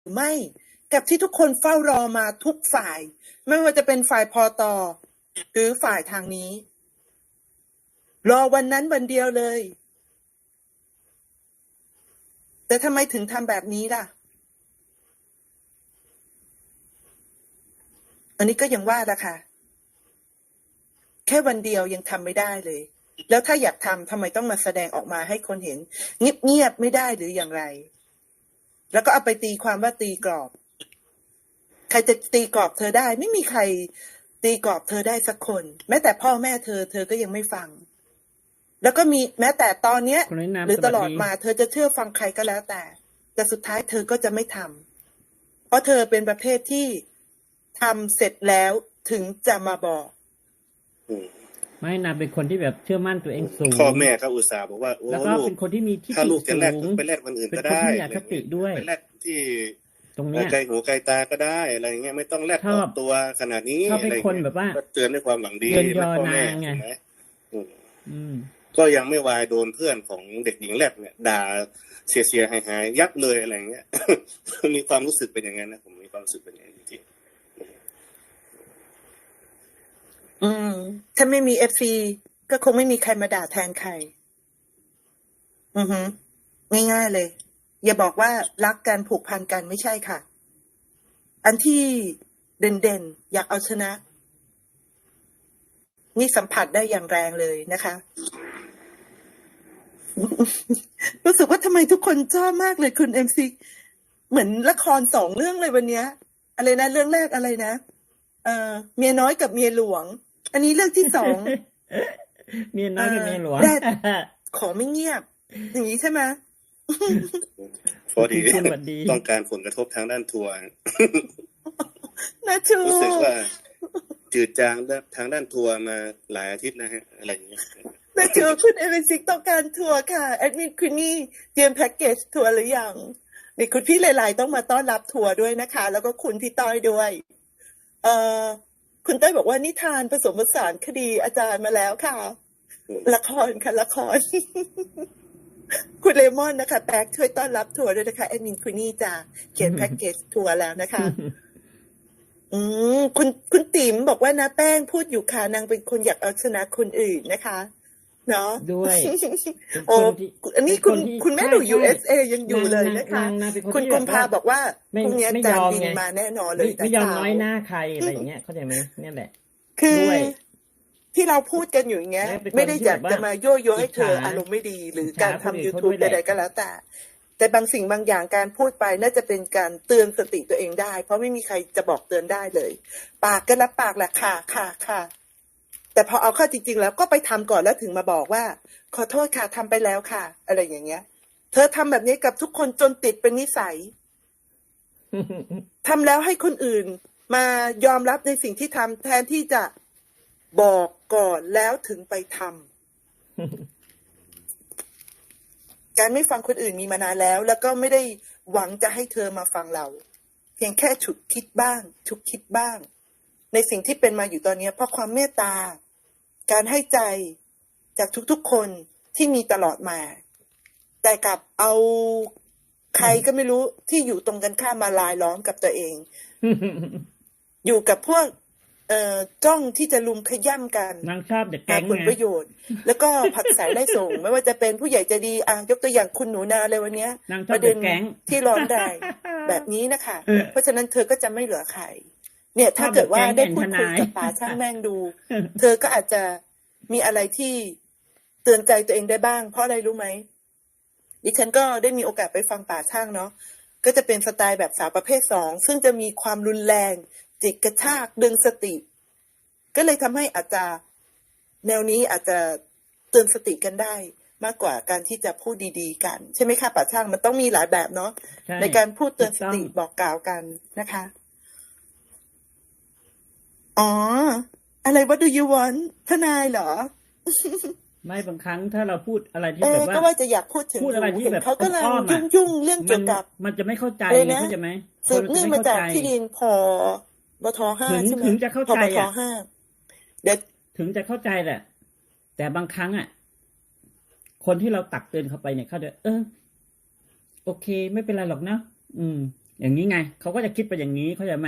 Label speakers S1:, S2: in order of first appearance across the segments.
S1: ไม่กับที่ทุกคนเฝ้ารอมาทุกฝ่าย ไม่ว่าจะเป็นฝ่ายพอตอหรือฝ่ายทางนี้ รอวันนั้นวันเดียวเลย แต่ทำไมถึงทำแบบนี้ล่ะ อันนี้ก็ยังว่าละค่ะ แค่วันเดียวยังทำไม่ได้เลย แล้วถ้าอยากทำไมต้องมาแสดงออกมาให้คนเห็นเงียบๆไม่ได้หรืออย่างไร แล้วก็เอาไปตีความว่าตีกรอบ ใครจะตีกรอบเธอได้ ไม่มีใครตีกรอบเธอได้สักคน แม้แต่พ่อแม่เธอก็ยังไม่ฟัง แล้วก็มีแม้แต่ตอนเนี้ย หรือตลอดมาเธอจะเชื่อฟังใครก็แล้วแต่สุดท้ายเธอก็จะไม่ทำเพราะเธอเป็นประเภทที่ทำเสร็จแล้วถึงจะมาบอก
S2: ไม่นะเป็นคนที่แบบเชื่อมั่นตัวเองสูง
S3: พ่อแม่เขาอุตส่าห์บอกว่าโอ้
S2: แล้วก็
S3: ลูก
S2: เป็นคนที่มีทิฏ
S3: ถ้า
S2: ฐิ
S3: ลูกจะ
S2: สู
S3: แลก
S2: ง
S3: ไปแลกวันอื่น
S2: เป็น
S3: ก็
S2: คน
S3: ได้
S2: ที่มีอคติด้วย
S3: ไปแลกที่
S2: ตรงเนี้ย
S3: ไกลหูไกลตาก็ได้อะไรเงี้ยไม่ต้องแลก
S2: ช
S3: อ
S2: อ
S3: อบ กตัวขนาดนี้
S2: ชอบ
S3: อะไร
S2: ให้คน
S3: เงี้ย
S2: แบบว่า
S3: ก็เตือนด้วยความหวังดี
S2: เยินยอ
S3: พ่อแม่
S2: นางไง
S3: ใช่ไหม
S2: อืม
S3: ก็ยังไม่วายโดนเพื่อนของเด็กหญิงแลบเนี่ยด่าเสียหายยับเลยอะไรเงี้ย มีความรู้สึกเป็นอย่างนั้นนะผมมีความรู้สึกเป็นอย่างนั้นจริง
S1: ถ้าไม่มีFC ก็คงไม่มีใครมาด่าแทนใคร ง่ายๆเลย อย่าบอกว่ารักกันผูกพันกันไม่ใช่ค่ะ อันที่เด่นๆอยากเอาชนะ นี่สัมผัสได้อย่างแรงเลยนะคะ รู้สึกว่าทำไมทุกคนชอบมากเลยคุณ MC เหมือนละคร2 เรื่องเลยวันเนี้ย อะไรนะเรื่องแรกอะไรนะเมียน้อยกับเมียหลวง อันนี้เรื่องที่ 2
S2: เมียน้อยกับเมียหลวง
S1: แรกขอไม่เงียบ อย่างนี้ใช่ไหม
S3: ๆพอดี
S2: คุณสวัสดี
S3: ต้องการผลกระทบทางด้านทัวร์
S1: นะชู
S3: รู้สึกว่าจืดจางทางด้านทัวร์มาหลายอาทิตย์นะฮะอะไรอย่างเงี้ย
S1: นะชูคุณเอเวนซิกต้องการทัวร์ค่ะแอดมินคุณนี่เตรียมแพ็กเกจทัวร์หรือยังนี่คุณพี่หลายๆต้องมาต้อนรับทัวร์ด้วยนะคะ แล้วก็คุณพี่ต้อยด้วย คุณต้อยบอกว่านิทานผสมผสานคดีอาจารย์มาแล้วค่ะ ละครค่ะละคร คุณเลมอนนะคะแป๊กช่วยต้อนรับทัวร์ด้วยนะคะแอดมินคุณนี่จะเขียนแพ็กเกจทัวร์แล้วนะคะ คุณติ๋มบอกว่านะแป้งพูดอยู่ค่ะนางเป็นคนอยากเอาชนะคนอื่นนะคะ เนาะ
S2: ด้วย
S1: โอ้
S2: ที่
S1: อันนี้
S2: เป็นคนที่
S1: คุณแม่
S2: ใช่
S1: ดู
S2: ใช่
S1: USA ยังอยู่เลยนะคะ
S2: นางเป็นคน
S1: คุณ
S2: ที่
S1: กุ
S2: แบ
S1: ม
S2: บ
S1: ภา
S2: ว่า
S1: บอกว่า
S2: ไม่
S1: พรุ่งนี้
S2: ไม่
S1: จาย น
S2: อม
S1: บิน
S2: ไง
S1: มาแน่นอนเลย
S2: ไม่ยอม
S1: แต่เช้า
S2: น้อยหน้าใครอะไรอย่างเงี้ยเข้าใจไหมเนี่ยแหละ
S1: คือ
S2: ด้วย
S1: ที่เราพูดกันอยู่อย่างเงี้ย
S2: และเป็นคน
S1: ไม่ได้อยาก
S2: ที่แบบ
S1: จะ
S2: ว่า
S1: มายั่วยุให้เธอ
S2: อิจฉา
S1: อารมณ์ไม่ดี หรือ
S2: อิจฉา
S1: การทำ
S2: คนอื่นเขา
S1: YouTube
S2: ด้วยแห
S1: ใด
S2: ละ
S1: ๆก็แล้วแต่บางสิ่งบางอย่างการพูดไปน่าจะเป็นการเตือนสติตัวเองได้ เพราะไม่มีใครจะบอกเตือนได้เลย ปากก็รับปากแหละค่ะ แต่พอเอาเข้าจริงๆแล้วก็ไปทำก่อนแล้วถึงมาบอกว่า ขอโทษค่ะทำไปแล้วค่ะ อะไรอย่างเงี้ย เธอทำแบบนี้กับทุกคนจนติดเป็นนิสัย ทำแล้วให้คนอื่นมายอมรับในสิ่งที่ทำแทนที่จะบอกก่อนแล้วถึงไปทำ การไม่ฟังคนอื่นมีมานานแล้ว แล้วก็ไม่ได้หวังจะให้เธอมาฟังเรา เพียงแค่ฉุกคิดบ้าง ในสิ่งที่เป็นมาอยู่ตอนนี้เพราะความเมตตา การให้ใจจากทุกๆคนที่มีตลอดมา แต่กลับเอาใครก็ไม่รู้ที่อยู่ตรงกันข้ามมาลายล้อมกับตัวเอง อยู่กับพวกจ้องที่จะลุมขย้ำกัน
S2: นางชอบเด็ก
S1: หา
S2: แก๊ง
S1: ผล
S2: ไง
S1: ประโยชน์ แล้วก็ผลักใส่ไล่ส่ง ไม่ว่าจะเป็นผู้ใหญ่ใจดียกตัวอย่างคุณหนูนาเลยวันเนี้ย
S2: นางช
S1: ป
S2: อบ
S1: ระเด็
S2: เด็
S1: น
S2: กแก๊ง
S1: ที่ร้อนแรงแบบนี้นะคะ เพราะฉะนั้นเธอก็จะไม่เหลือใคร เนี่ย
S2: ช
S1: ถ้า
S2: อบ
S1: เกิ
S2: เด็
S1: ด
S2: ก
S1: ว่า
S2: แก๊ง
S1: ได้
S2: แอน
S1: พู
S2: ท
S1: ดคุ
S2: นาย ย
S1: กับป๋าช่างแม่งดู เธอก็อาจจะมีอะไรที่เตือนใจตัวเองได้บ้าง เพราะอะไรรู้ไหมดิฉันก็ได้มีโอกาสไปฟังป๋าช่างเนาะก็จะเป็นสไตล์แบบสาวประเภท2ซึ่งจะมีความรุนแรงจิกกระชากดึงสติ ก็เลยทำให้อาจจะแนวนี้อาจจะเตือนสติกันได้ มากกว่าการที่จะพูดดีๆกันใช่ไหมคะป๋าช่างมันต้องมีหลายแบบเนาะ
S2: ใช่
S1: ในการพูดเตือน
S2: ถูก
S1: ส
S2: ต้อง
S1: ติบอกกล่าวกันนะคะ อ๋อ อะไร what do you want ทนายเหรอ
S2: ไม่บางครั้งถ้าเราพูดอะไรที่แบบว่า
S1: ก็ว่าจะอยากพูดถึง
S2: พูดอะไรที่
S1: เห็น
S2: แบบ
S1: เขากำลัง
S2: อ้อมๆอะ
S1: ยุ่งเรื่อง
S2: มั
S1: เกี่
S2: น
S1: ยวกับ
S2: มันจะไม่เข้าใจ
S1: อะไร
S2: ไง
S1: นะ
S2: เข้าใจไหมค
S1: สื
S2: น
S1: บ
S2: มัน
S1: เนื่
S2: จะ
S1: อง
S2: ไม่
S1: มา
S2: เข้า
S1: จาก
S2: ใจ
S1: ที่ดินบท5
S2: ถึง
S1: ใช่ไหม
S2: ถึงจะเข้า
S1: พ
S2: ใจ
S1: บท
S2: อ่ะ
S1: 5เดี๋ยว
S2: ถึงจะเข้าใจแหละ แต่บางครั้งอ่ะ คนที่เราตักเตือนเขาไปเนี่ยเขาจะโอเค ไม่เป็นไรหรอกนะอย่างนี้ไงเขาก็จะคิดไปอย่างนี้เข้าใจไหม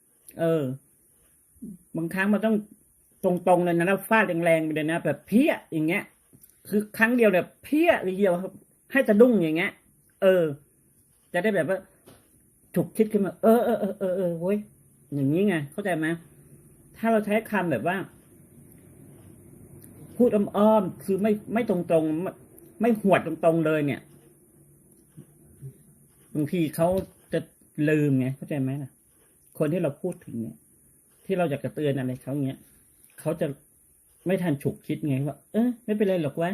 S2: บางครั้งมันต้องตรงๆเลยนะแล้วฟาดแรงๆไปเลยนะแบบเพี้ยอย่างเงี้ย คือครั้งเดียวแบบเพี้ยเดียวให้สะดุ้งอย่างเงี้ยจะได้แบบว่าถูกคิดขึ้นมาเว้ยอย่างนี้ไงเข้าใจไหมถ้าเราใช้คำแบบว่า พูดอ้อมๆคือไม่ตรงๆไม่หวดตรงๆเลยเนี่ยบางทีเขาจะลืมไงเข้าใจไหมล่ะคนที่เราพูดถึงเนี่ยที่เราอยากจะเตือนอะไรเขาเงี้ยเขาจะไม่ทันฉุกคิดไงว่าไม่เป็นไรหรอกวะ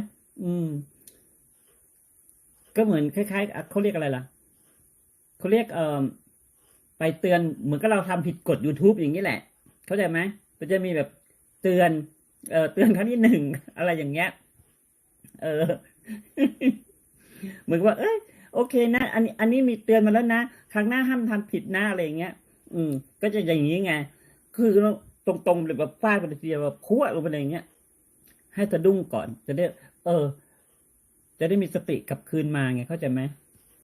S2: ก็เหมือนคล้ายๆเขาเรียกอะไรล่ะเขาเรียกไปเตือนเหมือนกับเราทำผิดกฎ YouTube อย่างนี้แหละเข้าใจไหมมันจะมีแบบเตือนเตือนครั้งที่หนึ่งอะไรอย่างเงี้ยเหมือนว่าโอเคนะอันนี้มีเตือนมาแล้วนะครั้งหน้าห้ามทำผิดนะอะไรอย่างเงี้ยก็จะอย่างนี้ไงคือตรงๆเลยแบบฟาดไปทีเดียวแบบพัวลงไปอย่างเงี้ยให้สะดุ้งก่อนจะได้จะได้มีสติกลับคืนมาไงเข้าใจไหม